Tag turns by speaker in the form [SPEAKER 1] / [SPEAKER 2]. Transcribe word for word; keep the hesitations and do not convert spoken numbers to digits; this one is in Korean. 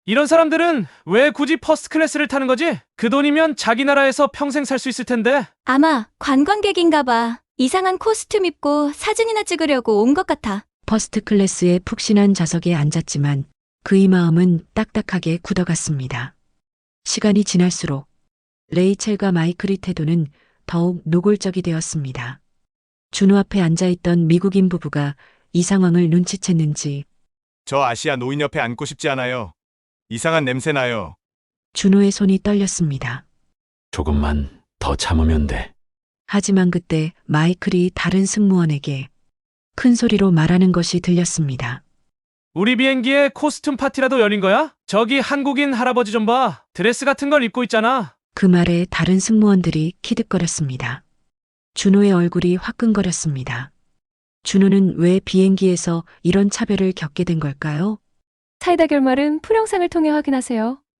[SPEAKER 1] 이런 사람들은 왜 굳이 퍼스트 클래스를 타는 거지? 그 돈이면 자기 나라에서 평생 살 수 있을 텐데.
[SPEAKER 2] 아마 관광객인가 봐. 이상한 코스튬 입고 사진이나 찍으려고 온 것 같아.
[SPEAKER 3] 퍼스트 클래스의 푹신한 좌석에 앉았지만 그의 마음은 딱딱하게 굳어갔습니다. 시간이 지날수록 레이첼과 마이클의 태도는 더욱 노골적이 되었습니다. 준호 앞에 앉아있던 미국인 부부가 이 상황을 눈치챘는지
[SPEAKER 4] 저 아시아 노인 옆에 앉고 싶지 않아요. 이상한 냄새 나요.
[SPEAKER 3] 준호의 손이 떨렸습니다.
[SPEAKER 5] 조금만 더 참으면 돼.
[SPEAKER 3] 하지만 그때 마이클이 다른 승무원에게 큰 소리로 말하는 것이 들렸습니다.
[SPEAKER 1] 우리 비행기에 코스튬 파티라도 열린 거야? 저기 한국인 할아버지 좀 봐. 드레스 같은 걸 입고 있잖아.
[SPEAKER 3] 그 말에 다른 승무원들이 키득거렸습니다. 준호의 얼굴이 화끈거렸습니다. 준호는 왜 비행기에서 이런 차별을 겪게 된 걸까요?
[SPEAKER 6] 사이다 결말은 풀영상을 통해 확인하세요.